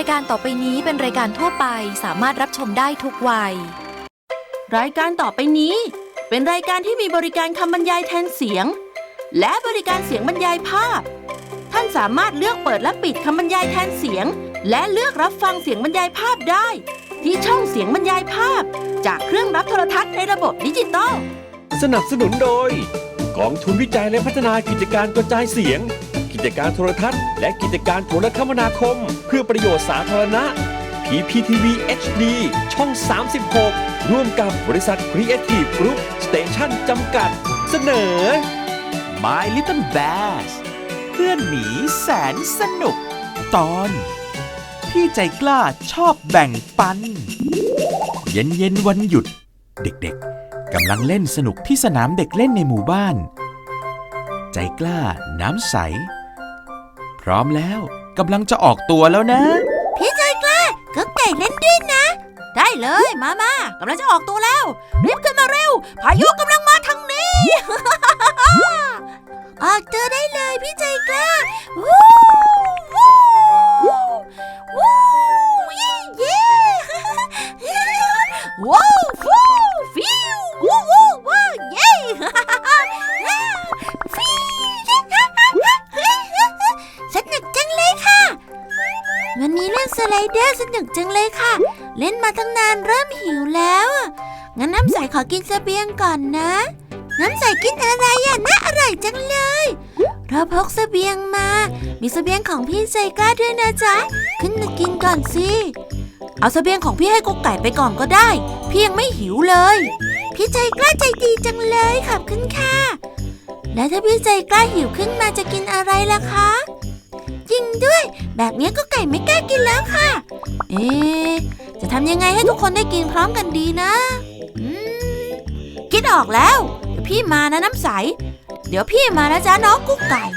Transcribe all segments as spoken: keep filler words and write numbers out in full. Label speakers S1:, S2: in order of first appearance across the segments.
S1: ายการต่อไปนี้เป็นรายการทั่วไปสามารถรับชมได้ทุกวัย
S2: รายการต่อไปนี้เป็นรายการที่มีบริการคำบรรยายแทนเสียงและบริการเสียงบรรยายภาพท่านสามารถเลือกเปิดและปิดคำบรรยายแทนเสียงและเลือกรับฟังเสียงบรรยายภาพได้ที่ช่องเสียงบรรยายภาพจากเครื่องรับโทรทัศน์ในระบบดิจิตอล
S3: สนับสนุนโดยกองทุนวิจัยและพัฒนากิจการกระจายเสียงกิจการโทรทัศน์และกิจการโทรคมนาคมเพื่อประโยชน์สาธารณะ พี พี ที วี เอช ดี ช่อง สามสิบหก ร่วมกับบริษัท Creative Group Station จำกัดเสนอ
S4: My Little Bass เพื่อนหมีแสนสนุกตอนพี่ใจกล้าชอบแบ่งปันเย็นเย็นวันหยุดเด็กๆกำลังเล่นสนุกที่สนามเด็กเล่นในหมู่บ้านใจกล้าน้ำใสพร้อมแล้วกำลังจะออกตัวแล้วนะ
S2: พี่ใจกล้าก็ไก่เล่นด้วยนะได้เลยมามากำลังจะออกตัวแล้วรีบขึ้นมาเร็วพายุกำลังมาทางนี้ ออกตัวได้เลยพี่ใจกล้าวู้วู้วู้ยี่เย่ว้าวฟูฟิววู้วู้ว้าวเย่สนุกจังเลยค่ะวันนี้เล่นสไลเดอร์สนุกจังเลยค่ะเล่นมาตั้งนานเริ่มหิวแล้วงั้นน้ำใสขอกินเสบียงก่อนนะน้ำใสกินอะไรอ่ะน่าอร่อยจังเลยเราพกเสบียงมามีเสบียงของพี่ใจกล้าด้วยนะจ๊ะขึ้นมากินก่อนสิเอาเสบียงของพี่ให้กุ๊กไก่ไปก่อนก็ได้พี่ยังไม่หิวเลยพี่ใจกล้าใจดีจังเลยขอบคุณค่ะแล้วถ้าพี่ใจกล้าหิวขึ้นมาจะกินอะไรล่ะคะจริงด้วยแบบนี้กุ๊กไก่ไม่กล้ากินแล้วค่ะเอ๊ะจะทำยังไงให้ทุกคนได้กินพร้อมกันดีนะอืมคิดออกแล้วเดี๋ยวพี่มานะน้ำใสเดี๋ยวพี่มานะจ๊ะน้องกุ๊กไก่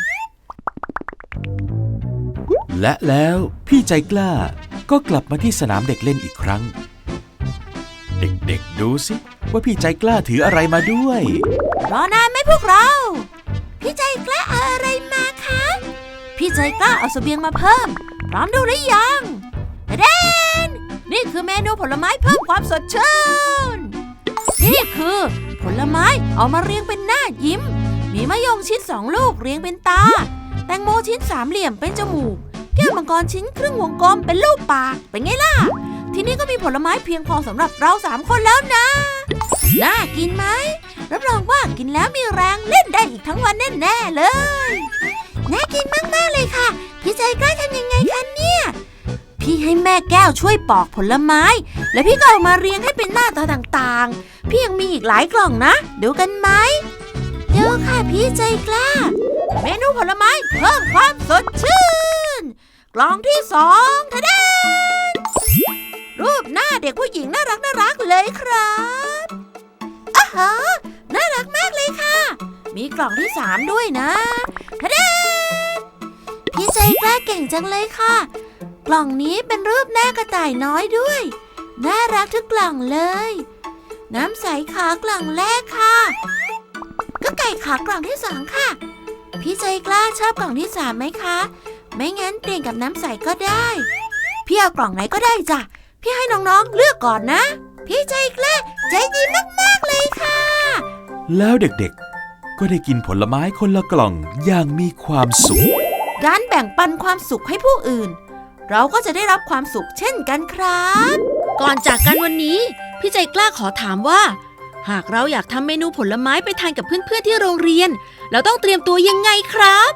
S4: และแล้วพี่ใจกล้าก็กลับมาที่สนามเด็กเล่นอีกครั้งเด็กๆดูสิว่าพี่ใจกล้าถืออะไรมาด้วย
S2: รอนานไหมพวกเราพี่ใจกล้าเอาอะไรมาคะพี่ใจกล้าเอาเสบียงมาเพิ่มพร้อมดูหรือยังเดนนี่คือเมนูผลไม้เพิ่มความสดชื่นนี่คือผลไม้เอามาเรียงเป็นหน้ายิ้มมีมะยงชิดสองลูกเรียงเป็นตาแตงโมชิ้นสามเหลี่ยมเป็นจมูกแก้วมังกรชิ้นครึ่งวงกลมเป็นรูปปากเป็นไงล่ะทีนี้ก็มีผลไม้เพียงพอสำหรับเราสามคนแล้วนะน่ากินไหมรับรองว่ากินแล้วมีแรงเล่นได้อีกทั้งวันแน่ๆเลยน่ากินมากๆเลยค่ะพี่ใจกล้าทำยังไงคะเนี่ยพี่ให้แม่แก้วช่วยปอกผลไม้แล้วพี่ก็เอามาเรียงให้เป็นหน้าตาต่างๆพี่ยังมีอีกหลายกล่องนะดูกันไหมดูค่ะพี่ใจกล้าเมนูผลไม้เพิ่มความสดชื่นกล่องที่สองทะเดนรูปหน้าเด็กผู้หญิงน่ารักน่ารักเลยครับอ้าฮะน่ารักมากเลยค่ะมีกล่องที่สามด้วยนะทะเดนพี่ใจกล้าเก่งจังเลยค่ะกล่องนี้เป็นรูปหน้ากระต่ายน้อยด้วยน่ารักทุกกล่องเลยน้ำใสขากล่องแรกค่ะก็ไก่ขากล่องที่สองค่ะพี่ใจกล้าชอบกล่องที่สามไหมคะไม่งั้นเปลี่ยนกับน้ำใสก็ได้พี่เอากล่องไหนก็ได้จ้ะพี่ให้น้องๆเลือกก่อนนะพี่ใจกล้าใจดีมากๆเลยค่ะ
S4: แล้วเด็กๆก็ได้กินผลไม้คนละกล่องอย่างมีความสุข
S2: การแบ่งปันความสุขให้ผู้อื่นเราก็จะได้รับความสุขเช่นกันครับก่อนจากกันวันนี้พี่ใจกล้าขอถามว่าหากเราอยากทำเมนูผลไม้ไปทานกับเพื่อนๆที่โรงเรียนเราต้องเตรียมตัวยังไงครับ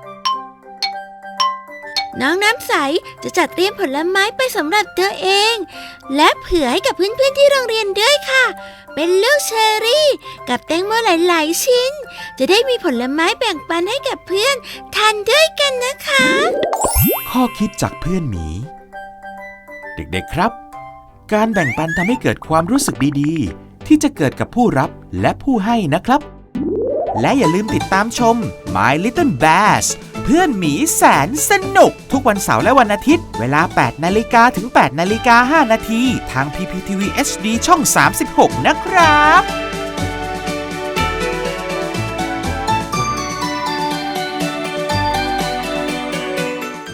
S2: น้องน้ำใสจะจัดเตรียมผลไม้ไปสำหรับตัวเองและเผื่อให้กับเพื่อนๆที่โรงเรียนด้วยค่ะเป็นลูกเชอร์รี่กับแตงโมหลายๆชิ้นจะได้มีผลไม้แบ่งปันให้กับเพื่อนทานด้วยกันนะคะ
S4: ข้อคิดจากเพื่อนหมีเด็กๆครับการแบ่งปันทำให้เกิดความรู้สึกดีๆที่จะเกิดกับผู้รับและผู้ให้นะครับและอย่าลืมติดตามชม My Little Bass เพื่อนหมีแสนสนุกทุกวันเสาร์และวันอาทิตย์เวลา แปดนาฬิกา ถึง แปดนาฬิกาห้านาทีทาง พี พี ที วี เอช ดี ช่อง สามสิบหกนะครับ